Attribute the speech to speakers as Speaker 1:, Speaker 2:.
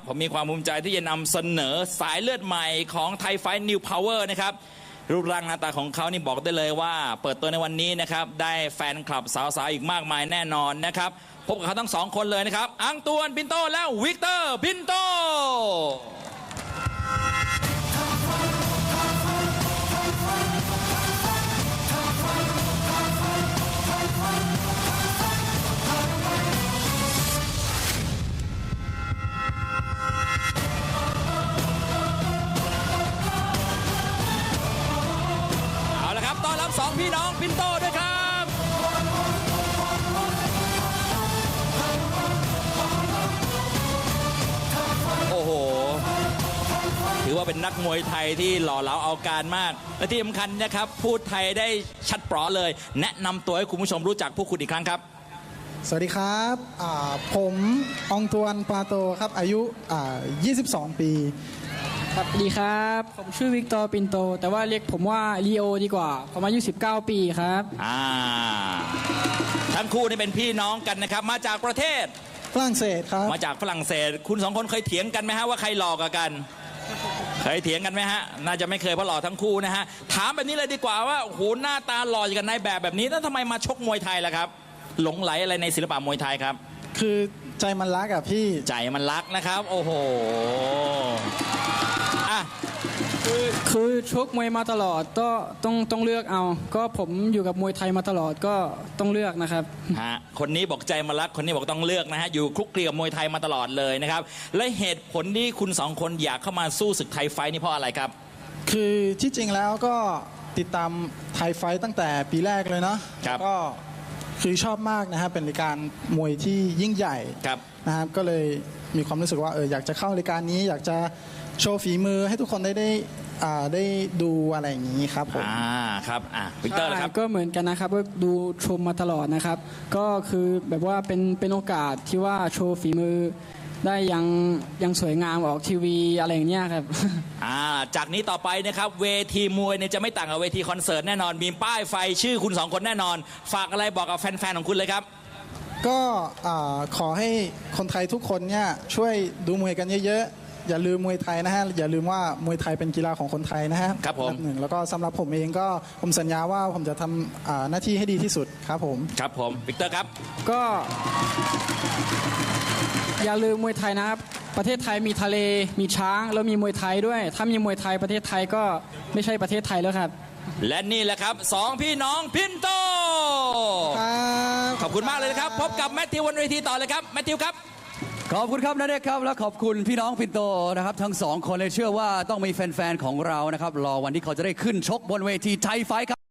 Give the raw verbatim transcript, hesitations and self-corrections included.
Speaker 1: ผมมีความภูมิใจที่จะนำเสนอสายเลือดใหม่ของไทยไฟท์นิวพาวเวอร์นะครับรูปร่างหน้าตาของเขานี่บอกได้เลยว่าเปิดตัวในวันนี้นะครับได้แฟนคลับสาวๆอีกมากมายแน่นอนนะครับพบกับเขาทั้งสองคนเลยนะครับอังตวนปินโตและวิกเตอร์ปินโตต้อนรับสองพี่น้องปินโตด้วยครับโอ้โหถือว่าเป็นนักมวยไทยที่หล่อเหลาเอาการมากและที่สำคัญนะครับพูดไทยได้ชัดเปราะเลยแนะนำตัวให้คุณผู้ชมรู้จักพวกคุณอีกครั้งครับ
Speaker 2: สวัสดีครับผมองตวนปาโตครับอายุยี่สิบสองปี
Speaker 3: สวัสดีครับผมชื่อวิกตอร์ปินโตแต่ว่าเรียกผมว่าลีโอดีกว่าผมอายุสิบเก้าปีครับ
Speaker 1: อ่าทั้งคู่นี่เป็นพี่น้องกันนะครับมาจากประเทศ
Speaker 2: ฝรั่งเศสครับ
Speaker 1: มาจากฝรั่งเศสคุณสองคนเคยเถียงกันไหมฮะว่าใครหล่อกว่ากันเคยเถียงกันไหมฮะน่าจะไม่เคยเพราะหล่อทั้งคู่นะฮะถามแบบนี้เลยดีกว่าว่าโอ้โหหน้าตาหล่ออย่างกันในแบบแบบนี้แล้วทำไมมาชกมวยไทยล่ะครับหลงไหลอะไรในศิลปะมวยไทยครับ
Speaker 2: คือใจมันรักอะพี่
Speaker 1: ใจมันรักนะครับโอ้โหอ่ะ
Speaker 3: คือคือชกมวยมาตลอดก็ต้องต้องเลือกเอาก็ผมอยู่กับมวยไทยมาตลอดก็ต้องเลือกนะครับ
Speaker 1: ฮะคนนี้บอกใจมันรักคนนี้บอกต้องเลือกนะฮะอยู่คลุกคลีกับมวยไทยมาตลอดเลยนะครับและเหตุผลที่คุณสองคนอยากเข้ามาสู้ศึกไทยไฟท์นี่เพราะอะไรครับ
Speaker 2: คือที่จริงแล้วก็ติดตามไทยไฟท์ตั้งแต่ปีแรกเลยเนาะก็คือชอบมากนะครับเป็นรายการมวยที่ยิ่งใหญ่นะครับก็เลยมีความรู้สึกว่าเอออยากจะเข้ารายการนี้อยากจะโชว์ฝีมือให้ทุกคนได้ได้ได้ดูอะไรอย่างนี้ครับผม
Speaker 1: อ่าครับอ่าวิกเตอร์ครับ
Speaker 3: ก็เหมือนกันนะครับก็ดูชมมาตลอดนะครับก็คือแบบว่าเป็นเป็นโอกาสที่ว่าโชว์ฝีมือได้ยังยังสวยงามออกทีวีอะไรอย่างเงี้ยครับ
Speaker 1: อ่าจากนี้ต่อไปนะครับเวทีมวยเนี่ยจะไม่ต่างกับเวทีคอนเสิร์ตแน่นอนมีป้ายไฟชื่อคุณสองคนแน่นอนฝากอะไรบอกกับแฟนๆของคุณเลยครับ
Speaker 2: ก็ขอให้คนไทยทุกคนเนี่ยช่วยดูมวยกันเยอะๆอย่าลืมมวยไทยนะฮะอย่าลืมว่ามวยไทยเป็นกีฬาของคนไทยนะฮะ
Speaker 1: ครับผม
Speaker 2: หนึ่งแล้วก็สำหรับผมเองก็ผมสัญญาว่าผมจะทำหน้าที่ให้ดีที่สุดครับผม
Speaker 1: ครับผมวิกเตอร์ครับ
Speaker 3: ก็อย่าลืมมวยไทยนะครับประเทศไทยมีทะเลมีช้างแล้วมีมวยไทยด้วยถ้ามีมวยไทยประเทศไทยก็ไม่ใช่ประเทศไทยแล้วครับ
Speaker 1: และนี่แหละครับสองพี่น้องพินโตขอบคุณมากเลยนะครับพบกับแมทธิวบนเวทีต่อเลยครับแมทธิวครับ
Speaker 4: ขอบคุณครับนาเดชครับและขอบคุณพี่น้องพินโตนะครับทั้งสองคนเลยเชื่อว่าต้องมีแฟนๆของเรานะครับรอวันที่เขาจะได้ขึ้นชกบนเวทีไทยไฟท์ครับ